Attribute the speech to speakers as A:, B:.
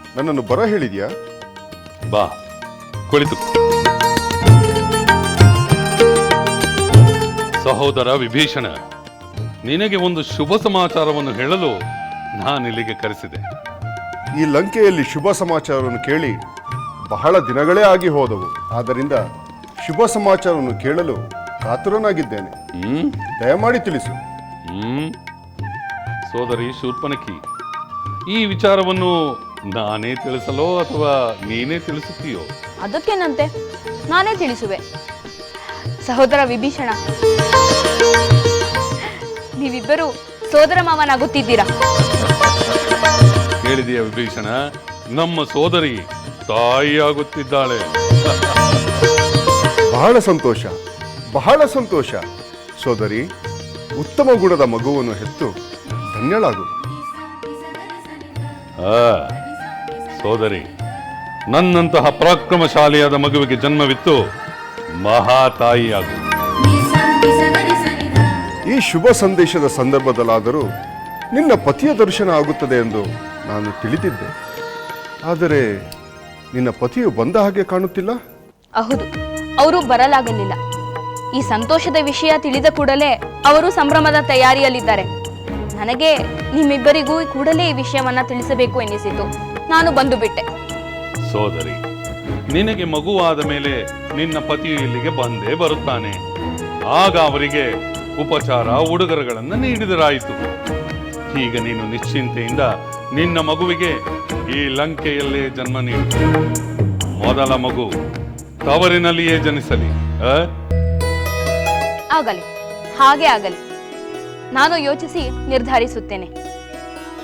A: ನನ್ನನ್ನು ಬರ ಹೇಳಿದ್ಯಾ?
B: ಬಾ, ಕುಳಿತು. ಸಹೋದರ ವಿಭೀಷಣ, ನಿನಗೆ ಒಂದು ಶುಭ ಸಮಾಚಾರವನ್ನು ಹೇಳಲು ನಾನಿಲ್ಲಿಗೆ ಕರೆಸಿದೆ.
A: ಈ ಲಂಕೆಯಲ್ಲಿ ಶುಭ ಸಮಾಚಾರವನ್ನು ಕೇಳಿ ಬಹಳ ದಿನಗಳೇ ಆಗಿ ಹೋದವು. ಆದ್ದರಿಂದ ಶುಭ ಸಮಾಚಾರವನ್ನು ಕೇಳಲು ಕಾತುರನಾಗಿದ್ದೇನೆ. ದಯಮಾಡಿ ತಿಳಿಸು.
B: ಸೋದರಿ ಶೂರ್ಪನಖಿ, ಈ ವಿಚಾರವನ್ನು ನಾನೇ ತಿಳಿಸಲೋ ಅಥವಾ ನೀನೇ ತಿಳಿಸುತ್ತೀಯೋ?
C: ಅದಕ್ಕೇನಂತೆ, ನಾನೇ ತಿಳಿಸುವೆ. ಸಹೋದರ ವಿಭೀಷಣ, ನೀವಿಬ್ಬರು ಸೋದರ ಮಾವನಾಗುತ್ತಿದ್ದೀರಾ.
B: ಕೇಳಿದೆಯಾ ವಿಭೀಷಣ? ನಮ್ಮ ಸೋದರಿ ತಾಯಿಯಾಗುತ್ತಿದ್ದಾಳೆ.
A: ಬಹಳ ಸಂತೋಷ, ಬಹಳ ಸಂತೋಷ. ಸೋದರಿ, ಉತ್ತಮ ಗುಣದ ಮಗುವನ್ನು ಹೆತ್ತು ಧನ್ಯಳಾಗು.
B: ಸೋದರಿ, ನನ್ನಂತಹ ಪರಾಕ್ರಮಶಾಲಿಯಾದ ಮಗುವಿಗೆ ಜನ್ಮವಿತ್ತು ಮಹಾತಾಯಿಯಾಗು.
A: ಈ ಶುಭ ಸಂದೇಶದ ಸಂದರ್ಭದಲ್ಲಾದರೂ ನಿನ್ನ ಪತಿಯ ದರ್ಶನ ಆಗುತ್ತದೆ ಎಂದು ನಾನು ತಿಳಿದಿದ್ದೆ. ಆದರೆ ನಿನ್ನ ಪತಿಯು ಬಂದ ಹಾಗೆ ಕಾಣುತ್ತಿಲ್ಲ.
C: ಹೌದು, ಅವರು ಬರಲಾಗಲಿಲ್ಲ. ಈ ಸಂತೋಷದ ವಿಷಯ ತಿಳಿದ ಕೂಡಲೇ ಅವರು ಸಂಭ್ರಮದ ತಯಾರಿಯಲ್ಲಿದ್ದಾರೆ. ನನಗೆ ನಿಮ್ಮಿಬ್ಬರಿಗೂ ಕೂಡಲೇ ಈ ವಿಷಯವನ್ನ ತಿಳಿಸಬೇಕು ಎನ್ನಿಸಿತು. ನಾನು ಬಂದು ಬಿಟ್ಟೆ.
B: ಸೋದರಿ, ನಿನಗೆ ಮಗುವಾದ ಮೇಲೆ ನಿನ್ನ ಪತಿಯು ಇಲ್ಲಿಗೆ ಬಂದೇ ಬರುತ್ತಾನೆ. ಆಗ ಅವರಿಗೆ ಉಪಚಾರ ಉಡುಗೊರೆಗಳನ್ನು ನೀಡಿದರಾಯಿತು. ಈಗ ನೀನು ನಿಶ್ಚಿಂತೆಯಿಂದ ನಿನ್ನ ಮಗುವಿಗೆ ಈ ಲಂಕೆಯಲ್ಲೇ ಜನ್ಮ ನೀಡು. ಮೊದಲ ಮಗು ತವರಿನಲ್ಲಿಯೇ ಜನಿಸಲಿ.
C: ಆಗಲಿ, ಹಾಗೆ ಆಗಲಿ. ನಾನು ಯೋಚಿಸಿ ನಿರ್ಧರಿಸುತ್ತೇನೆ.